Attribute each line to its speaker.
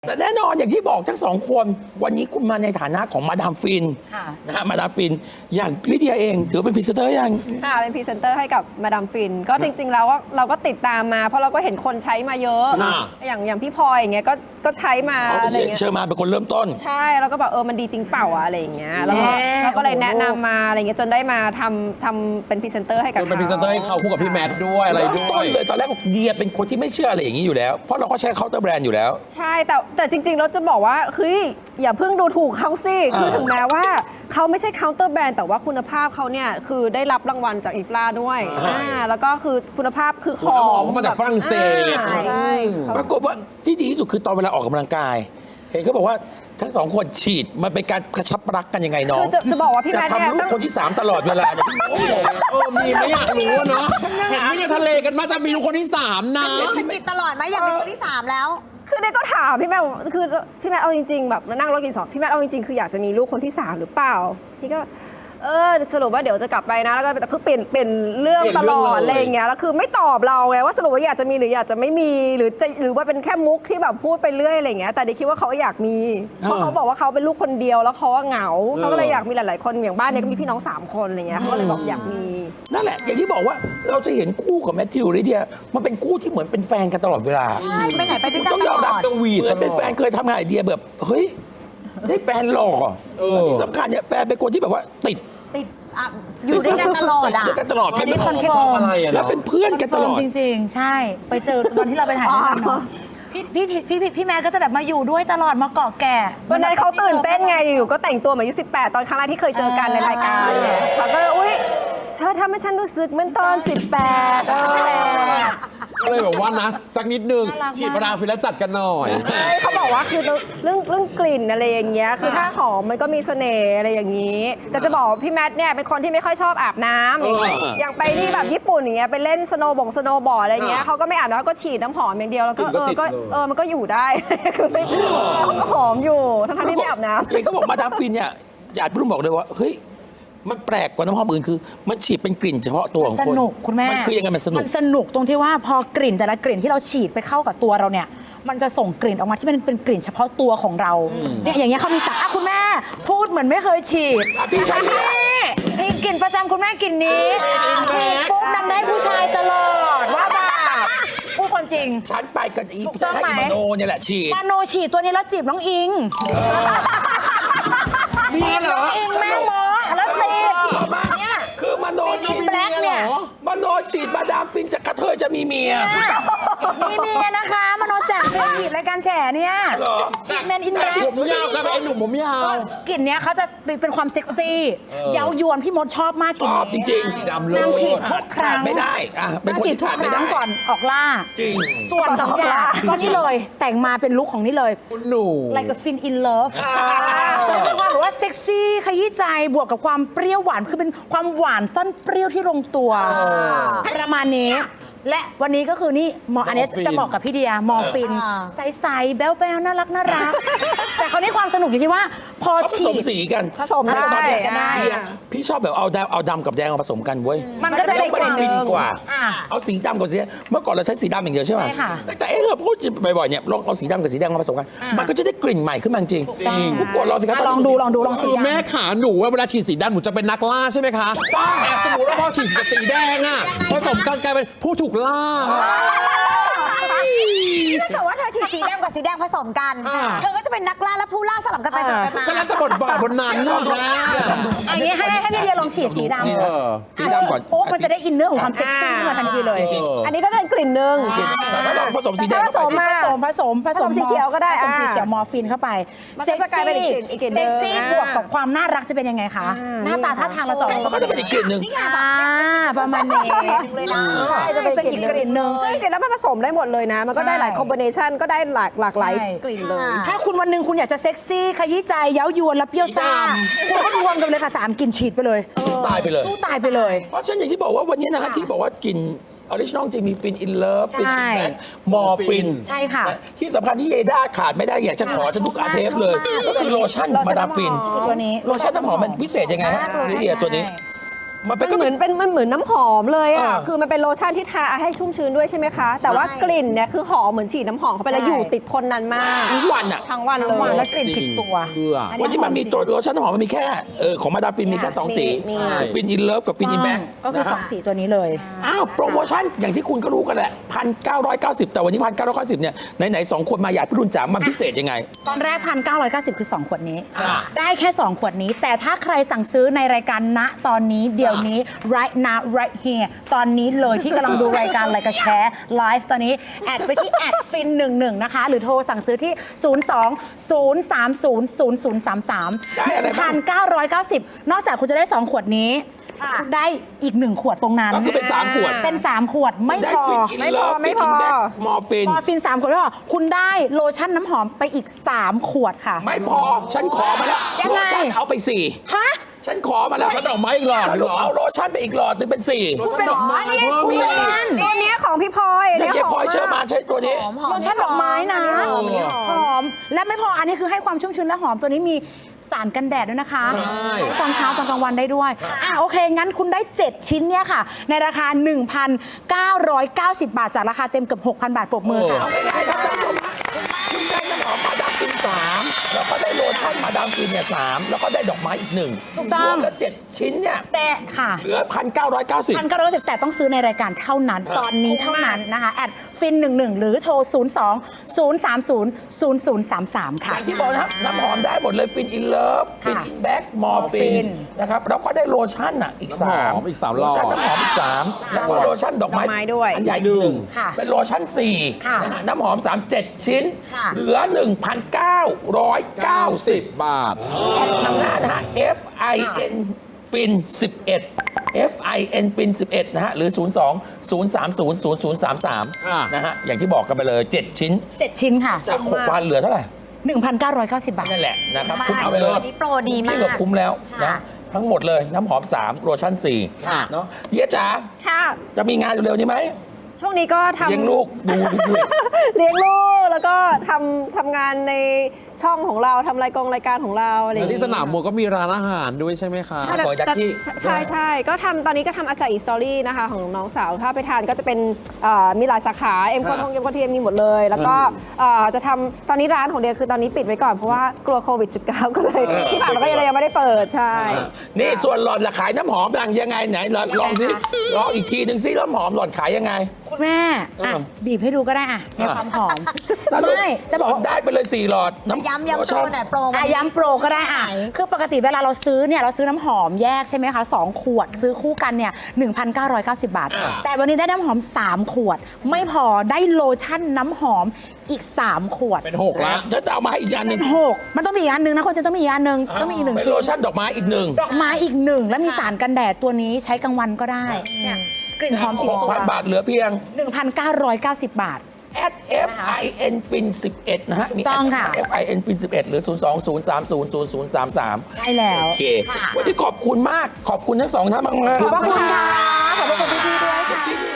Speaker 1: แต่แน่นอนอย่างที่บอกทั้งสองคนวันนี้คุณมาในฐานะของมาดามฟินนะฮะมาดามฟินอย่างลิเดียเองถือเป็นพรีเซนเตอร์ยัง
Speaker 2: ค่ะเป็นพรีเซนเตอร์ให้กับมาดามฟินก็จริงๆแล้วเราก็ติดตามมาเพราะเราก็เห็นคนใช้มาเยอะอย่างพี่พลอยอย่างเงี้ยก็ใช้มาอะไรเงี้ย
Speaker 1: เชิญมาเป็นคนเริ่มต้น
Speaker 2: ใช่แล้วก็แบบมันดีจริงเปล่าอะไรอย่างเงี้ยแล้วก็เลยแนะนำมาอะไรเงี้ยจนได้มาทำเป็นพรีเซนเตอร์ให้กับเขา
Speaker 3: เป็นพรีเซนเตอร์ให้เขาคู่กับพี่แมทด้วยอะไรด้วย
Speaker 1: ต้นเลยตอนแรกเดียเป็นคนที่ไม่เชื่ออะไรอย่างนี้อยู่แล้วเพราะเราก็ใช้เคาน์เตอร์แบรนด์อยู่แล้ว
Speaker 2: ใช่แต่จริงๆเราจะบอกว่าเฮ้ยอย่าเพิ่งดูถูกเขาสิคือถึงแม้ว่าเขาไม่ใช่เคาน์เตอร์แบรนด์แต่ว่าคุณภาพเขาเนี่ยคือได้รับรางวัลจากอีฟลาด้วยแล้วก็คือคุณภาพคือของ
Speaker 3: เขามาจากฝรั่งเศส
Speaker 2: ใช่
Speaker 1: ปรากฏว่าที่ดีที่สุดคือตอนเวลาออกกำลังกายเห็นเขาบอกว่าทั้งสองคนฉีดมันเป็นการกระชับรักกันยังไงน้อง
Speaker 2: จะบอกว่าพี่แม่
Speaker 1: จะทำลูกคนที่3ตลอดเวลาเนี่ย
Speaker 3: มีไม่อยากรู้เนาะเห็นไม่ในทะเลกันมาจะมีลูกคนที่3นะ
Speaker 4: มันติดตลอดไหมอยากเป็นคนที่3แล้ว
Speaker 2: คือเด็กก็ถามพี่แม่คือพี่แม่เอาจริงๆแบบนั่งรถกิน2พี่แม่เอาจริงๆคืออยากจะมีลูกคนที่3หรือเปล่าพี่ก็สรุปว่าเดี๋ยวจะกลับไปนะแล้วก็คือเปลี่ยนเรื่องตลอดอะไรอย่างเงี้ยแล้วคือไม่ตอบเราไงว่าสรุปว่าอยากจะมีหรืออยากจะไม่มีหรือว่าเป็นแค่มุกที่แบบพูดไปเรื่อยอะไรอย่างเงี้ยแต่เด็กคิดว่าเขาอยากมีเพราะเขาบอกว่าเขาเป็นลูกคนเดียวแล้วเขาเหงาเขาก็เลยอยากมีหลายๆคนอย่างบ้านเนี้ยก็มีพี่น้อง3คนอะไรเงี้ยเขาก็เลยบอกอยากมี
Speaker 1: นั่นแหละอย่างที่บอกว่าเราจะเห็นคู่ของแมทธิวลิเดียมันเป็นคู่ที่เหมือนเป็นแฟนกันตลอดเวลา
Speaker 4: ใช่ไปไหนไปด้วยกันตลอด
Speaker 1: สวีทเหมือนเป็นแฟนเคยทำงานไอเดียแบบเฮ้ยได้แฟนหล่อที่สำคัญเนี่ยแฟนเป็นคนที่แบบว่าติด
Speaker 4: อยู่ด้วยกันตลอด
Speaker 1: ด้วยกันตลอด
Speaker 5: อันนี้คอนเฟิร์ม
Speaker 1: แล้วเป็นเพื่อนกันตลอด
Speaker 5: จริงๆใช่ไปเจอวันที่เราไปถ่ายด้วยกันเนาะพี่แมทก็จะแบบมาอยู่ด้วยตลอดมาเกาะแก่
Speaker 2: วันนั้นเขาตื่นเต้นไงอยู่ก็แต่งตัวเหมือนอายุ18ตอนครั้งแรกที่เคยเจอกันในรายการเนี่ยเขาก็อุ้ยเชิญทำให้ฉันรู้สึกเหมือนตอน18
Speaker 3: ก็เลยแบบว่านะสักนิดนึงฉีดมาดามฟินแล้วจัดกันหน่อย
Speaker 2: เขาบอกว่าคือเรื่องกลิ่นอะไรอย่างเงี้ยคือถ้าหอมมันก็มีเสน่ห์อะไรอย่างนี้แต่จะบอกพี่แมทเนี่ยเป็นคนที่ไม่ค่อยชอบอาบน้ำอย่างไปที่แบบญี่ปุ่นอย่างเงี้ยไปเล่นสโนว์บอร์ดอะไรเงี้ยเขาก็ไม่อาบน้ำก็ฉีดน้ำหอมอย่างเดียวแล้วก็มันก็อยู่ได้คือไม่เขาก็หอมอยู่ทั้งที่ไม่อาบน้ำ
Speaker 1: เองก็บอกมาดามฟินเนี่ยอยากรุ่งบอกเลยว่าเฮ้ยมันแปลกกว่าน้ำหอมอื่นคือมันฉีดเป็นกลิ่นเฉพาะตัวของคน
Speaker 5: สนุกคุณแม่
Speaker 1: มันคือยังไงมันส
Speaker 5: นุกตรงที่ว่าพอกลิ่นแต่ละกลิ่นที่เราฉีดไปเข้ากับตัวเราเนี่ยมันจะส่งกลิ่นออกมาที่มันเป็นกลิ่นเฉพาะตัวของเราเนี่ยอย่างเงี้ยเขามีสารคุณแม่พูดเหมือนไม่เคยฉีด
Speaker 1: พี่ชาย
Speaker 5: ฉีดกลิ่นประจำคุณแม่กลิ่นนี้ฉีดปุ๊บนำได้ผู้ชายตลอดว่าแบบพูดความจริง
Speaker 1: ฉันไปกันอีกให้มโนเนี่ยแหละฉีด
Speaker 5: มโนฉีดตัวนี้แล้วจีบน้องอิง
Speaker 1: มีเหรอ
Speaker 5: อิงแม่หมอแล้วตีเนี่ย
Speaker 1: คือมโนฉีด
Speaker 5: เนี่ย
Speaker 1: มโนฉีดมาดามฟินจากกระเทยจะมีเมีย
Speaker 5: มีเมียนะคะมโนแจกเครดิตรายการแฉเนี่ยฉีดแมนอินแบล็ค
Speaker 3: ผมยาวแล้วไอ้หนุ่มผมยาว
Speaker 5: กลิ่นเนี้ยเขาจะเป็นความเซ็กซี่เย้ายวนพี่มดชอบมากกลิ่นนี้
Speaker 1: จริง
Speaker 3: ๆดำเลย
Speaker 5: นางฉีดทุกครั้ง
Speaker 1: ไม่ได้
Speaker 5: นางฉีดทุกครั้งก่อนออกล่า
Speaker 1: จริง
Speaker 5: ส่วน2อย่างก็นี่เลยแต่งมาเป็นลุคของนี่เลย
Speaker 3: คุณหนู
Speaker 5: like a fin in love เป็นความแบบว่าเซ็กซี่ขยี้ใจบวกกับความเปรี้ยวหวานคือเป็นความหวานซ่อนเปรี้ยวที่ลงตัวประมาณนี้และวันนี้ก็คือนี่อันนี้จะบอกกับพี่เดียมอร์ฟินใสๆแบ๊วๆน่ารักแต่คราวนี้ความสนุกอยู่ที่ว่าพอฉีด
Speaker 1: ผสมสีกัน
Speaker 2: ผสมได้
Speaker 1: พี่ชอบแบบเอาดำกับแดงมาผสมกันเว้ย
Speaker 5: มันก็จะเป็นกลิ่น
Speaker 1: กว่าเอาสีดำกับสีเมื่อก่อนเราใช้สีดำอย่างเดียวใช่ไหมแต่เราพูดบ่อยๆเนี่ยลองเอาสีดำกับสีแดงมาผสมกันมันก็จะได้กลิ่นใหม่ขึ้นมาจริงทุกคนลองสิครับ
Speaker 5: ลองดู
Speaker 3: คือแม่ขาหนูเวลาฉีดสีดำหนูจะเป็นนักล่าใช่ไหมคะสมมติว่าพอฉีดสีแดงอ่ะผสมกันกลายเป็นผู้ถูกล่า
Speaker 4: แต่ว่าเธอฉีดสีแดงกับสีแดงผสมกันเธอก็จะเป็นนักล่าและผู้ล่าสลับกันไปสลับกันมา
Speaker 3: ก็แล้วแต่บทบาทบนนั้นนะ
Speaker 5: อันนี้ให้พี่เดียลองฉีดสีดำฉีดโอ้มันจะได้อินเนอร์ของความเซ็กซี่ขึ้นมาทันทีเลย
Speaker 2: อันนี้ก็จะเป็นกลิ่นหนึ่ง
Speaker 1: แล้วลองผสมสีแดง
Speaker 2: ผสมสีเขียวก็ได้
Speaker 5: ผสมสีเขียวมอร์ฟินเข้าไป
Speaker 2: เซ็ก
Speaker 5: ซี่บวกกับความน่ารักจะเป็นยังไงคะหน้าตาท่าทางเราจะ
Speaker 1: มันก็จะเป็นอีกกลิ่นหนึ่ง
Speaker 5: ประมาณนี้
Speaker 2: เลยนะจะเป็นอีกกลิ่นหนึ่งซึ่งจริงๆแล้วมันผสมได้หมดเลยนะมันก็ได้หลายคอมบิเนชันก็ได้หลากหลายกลิ่นเลย
Speaker 5: ถ้าคุณวันหนึ่งคุณอยากจะเซ็กซี่ขยี้ใจเย้ายวนและเปรี้ยวซ่าคุณก็รวมกันเลยค่ะ3กลิ่นฉีดไปเลย
Speaker 1: สู้ตายไปเลย เพราะฉะนั้นอย่างที่บอกว่าวันนี้นะฮะที่บอกว่ากลิ่นออริจินอลจริงมีฟินอินเลิฟฟินมอร์ฟิน
Speaker 5: ใช่ค่ะ
Speaker 1: ที่สำคัญที่เยด้าขาดไม่ได้อยากจะขอฉันทุกอาเทปเลยก็คือโลชั่นมาดามฟิน
Speaker 5: ตัวนี้
Speaker 1: โลชั่นน้ำหอมมันพิเศษยังไงฮะพี่เดียตัวนี้มันเป็น
Speaker 2: มันเหมือนน้ำหอมเลยอ่ะ
Speaker 1: เออ
Speaker 2: คือมันเป็นโลชั่นที่ทาให้ชุ่มชื้นด้วยใช่ไหมคะ แต่ว่ากลิ่นเนี่ยคือหอมเหมือนฉีดน้ำหอมเข้าไปแล้ว
Speaker 5: ใช่
Speaker 2: อยู่ติดทนนานมาก
Speaker 1: ทั้งวันอ่ะ
Speaker 2: ทั้งวันเล
Speaker 5: หวาน
Speaker 2: ย
Speaker 5: และกลิ่นติดตัว
Speaker 3: เชื่อ
Speaker 1: วันนี้มันมีตัวโลชั่นน้ำหอมมันมีแค่ของมาดามฟินมีแค่2 สี
Speaker 2: มี
Speaker 1: ฟินอินเลิฟกับฟินอินแบ็ก
Speaker 5: ก็คือสองสีตัวนี้เลย
Speaker 1: อ้าวโปรโมชั่นอย่างที่คุณก็รู้กันแหละ1,990 แต่วันนี้1,990เนี่ยไหนๆ2 คนมาอยากพี่รุ่นจ๋ามันพิเศษยังไง
Speaker 5: ตอนแรก 1,990 คือ 2 ขวดนี้
Speaker 1: อ่า
Speaker 5: ได้แค่ 2 ขวดนี้ แต่ถ้าใครสั่งซื้อในรายการณตอนนี้เดี๋ยวนี้ right now right here ตอนนี้เลยที่กำลังดูรายการอะไรก็แชร์ไลฟ์ตอนนี้ แอดไปที่แอดฟิน11นะคะ หรือโทรสั่งซื้อที่ 02-030-0033
Speaker 1: ได้อะไรบ้าง
Speaker 5: 1,990 นอกจากคุณจะได้ 2 ขวดนี้
Speaker 4: ค่ะ
Speaker 5: คุณได้อีก 1 ขวดตรงนั้น
Speaker 1: ก็คือเป็น3 ขวด
Speaker 5: เป็น 3 ขวดไม่
Speaker 1: ได้
Speaker 5: พอ
Speaker 1: ฟินอินเลิฟ
Speaker 2: ไม่
Speaker 1: ฟิน
Speaker 2: พอ
Speaker 1: อินแบ็กมอร์ฟิน
Speaker 5: มอร์ฟิน 3 ขวดแล้วเหรอคุณได้โลชั่นน้ำหอมไปอีก 3 ขวดค่ะ
Speaker 1: ไม่พอฉันขอมาแล้ว
Speaker 5: ยังไง
Speaker 1: โลชั่นเอาไป
Speaker 5: ฮะ
Speaker 1: 4 ฉันขอมาแล้ว
Speaker 3: ฉันดอกไม้อีกหลอดหนึ่งเหรอ
Speaker 1: เอาโลชั่นไปอีกหลอดหนึงเป็น4
Speaker 3: โลชั่นดอกไม้เพิ่มอีก
Speaker 2: ตัวเนี้ยของพี่พลอย
Speaker 1: เดี๋ยว
Speaker 2: เนี้ย
Speaker 1: เย
Speaker 2: ของ
Speaker 1: พลอยเชื่อมาใช้ตัวนี้
Speaker 4: หอมหอม
Speaker 5: โลชั่นดอกไม้นะ
Speaker 2: หอม
Speaker 5: หอม และไม่พออันนี้คือให้ความชุ่มชื้นและหอมตัวนี้มีสารกันแดดด้วยนะคะ
Speaker 3: ใช่
Speaker 5: ใช้ตอนเช้าตอนกลางวันได้ด้วยโอเค งั้นคุณได้ 7 ชิ้นเนี่ยค่ะ ในราคา 1,990 บาท จากราคาเต็มเกือบ 6,000 บาทปรบมือค่ะ
Speaker 1: เอาง่ายๆครับท่านผู้ชมฮะคุณได้น้ำหอมมาดามฟิน3แล้วก็ได้โลชั่นมาดามฟินเนี่ย3แล้วก็ได้ดอกไม้อีก1
Speaker 5: ถูกต้อง
Speaker 1: รวมแล้ว7 ชิ้นเนี่ย
Speaker 5: แต่ค่ะ
Speaker 1: เหลือ 1,990
Speaker 5: 1,990แต่ต้องซื้อในรายการเท่านั้น ตอนนี้เท่านั้นนะคะแอดฟิน11หรือโทร 02-030-0033
Speaker 1: อ
Speaker 5: ค่ะ
Speaker 1: ย่างที่บอกนะครับน้ำหอมได้หมดเลยฟินอินเลิฟฟิน
Speaker 5: ค่ะ
Speaker 1: อินแบ็กมอร์ฟิ
Speaker 5: Morphine
Speaker 1: นนะครับแล้วก็ได้โลชั่นอ่ะอีก
Speaker 3: น้ำหอม
Speaker 1: 3
Speaker 3: อีก3
Speaker 1: โลชั่นน้ำหอมอีก 3 แล้วก็โลชั่นดอกไม้
Speaker 2: ดอกไม้ด้วย
Speaker 1: อันใหญ่หนึ่ง
Speaker 5: ค่ะ
Speaker 1: เป็นโลชั่น4
Speaker 5: ค่ะ
Speaker 1: นะฮะน้ำหอม 3 7 ชิ้น
Speaker 4: ค่ะ
Speaker 1: เหลือ 1,990
Speaker 3: บาท
Speaker 1: ทางหน้านะฮะ FIN ฟิน11 FIN ฟิน11นะฮะหรือ 02-030-0033 นะฮะอย่างที่บอกกันไปเลย 7 ชิ้น
Speaker 5: 7 ชิ้นค่ะ
Speaker 1: จาก6,000เหลือเท่าไหร่
Speaker 5: 1,990 บาท
Speaker 1: นั่นแหละนะครับ
Speaker 4: มา
Speaker 1: คุณเอาไปเลย
Speaker 4: วันนี้โปรดีมา
Speaker 1: นี่เกือบ
Speaker 4: ก
Speaker 1: คุ้มแล้วนะ
Speaker 4: ค่ะ
Speaker 1: ทั้งหมดเลยน้ำหอม 3 โลชั่น
Speaker 3: ค่ะ
Speaker 1: 4เนาะเดียจ๋า
Speaker 2: ค่ะ
Speaker 1: จะมีงานเร็วๆนี้ไหม
Speaker 2: ช่วงนี้ก็ทำ
Speaker 1: เลี้ยงลูกดูด้วย
Speaker 2: เลี้ยงลูกแล้วก็ทำงานในช่องของเราทำรายการของเราอะไรอย่าง
Speaker 3: แล้วที่
Speaker 2: งี้
Speaker 3: สนามมวยก็มีร้านอาหารด้วยใช่ไหมคะ
Speaker 2: ใช่แต่
Speaker 1: ขอจากที่
Speaker 2: ใช่ก็ทำตอนนี้ก็ทำอาซาอิสตอรี่นะคะของน้องสาวถ้าไปทานก็จะเป็นมีหลายสาขาเอ็มโคทงเอ็มโคเทียมมีหมดเลย แล้วก็จะทำตอนนี้ร้านของเดียคือตอนนี้ปิดไว้ก่อนเพราะว่ากลัวโควิด -19 ก็เลยที่ผ่านมาก็ยังไม่ได้เปิดใช่
Speaker 1: นี่ส่วนหลอดละขายน้ำหอมยังไงไหนลองสิลองอีกทีหนึ่งสิน้ำหอมหลอดขายยังไง
Speaker 5: คุณแม่บีบให้ดูก็ได้ในความหอม
Speaker 1: สรุป
Speaker 5: ไม่จะบอกว่า
Speaker 1: ได้ไปเลย4 หลอดน้ำ
Speaker 4: ย้ำ
Speaker 1: โล
Speaker 4: โปร
Speaker 1: ชั่น
Speaker 4: หน่อยโปรวันนี้
Speaker 5: ย้ำโปรก็ได้คือปกติเวลาเราซื้อเนี่ยเราซื้อน้ำหอมแยกใช่ไหมคะ2 ขวดซื้อคู่กันเนี่ย 1,990 บาท แต่วันนี้ได้น้ำหอม 3 ขวด ไม่พอได้โลชั่นน้ำหอมอีก 3 ขวด
Speaker 3: เป็น6แล้ว
Speaker 1: จะเอามาให้อีกอันหนึ่ง
Speaker 5: 6มันต้องมีอีกอันหนึงนะคนจะต้องมีอีกอันหนึงต้องมีอีก
Speaker 1: เป็น
Speaker 5: 1 ชิ้
Speaker 1: โล
Speaker 5: น
Speaker 1: ชั่นดอกไม้อีกหนึ่ง
Speaker 5: ดอกไม้อีก 1 แล้วมีสารกันแดดตัวนี้ใช้กลางวันก็ได้เนี่ยกลิ่นหอมติดตัว
Speaker 1: 6,000 บาทเหลือเพียง
Speaker 5: 1,990 บาท
Speaker 1: FIN ฟิน11นะฮะ
Speaker 5: ถูกต้องค่ะ
Speaker 1: FIN ฟิน11หรือ 02-030-0033
Speaker 5: ใช่แล้ว
Speaker 1: โอเค วันนี้ขอบคุณมาก ขอบคุณทั้งสองท่านมากๆ
Speaker 5: ขอบพระคุณค่ะขอบพระคุณพี่ๆด้วยค่ะ
Speaker 1: ที่นี่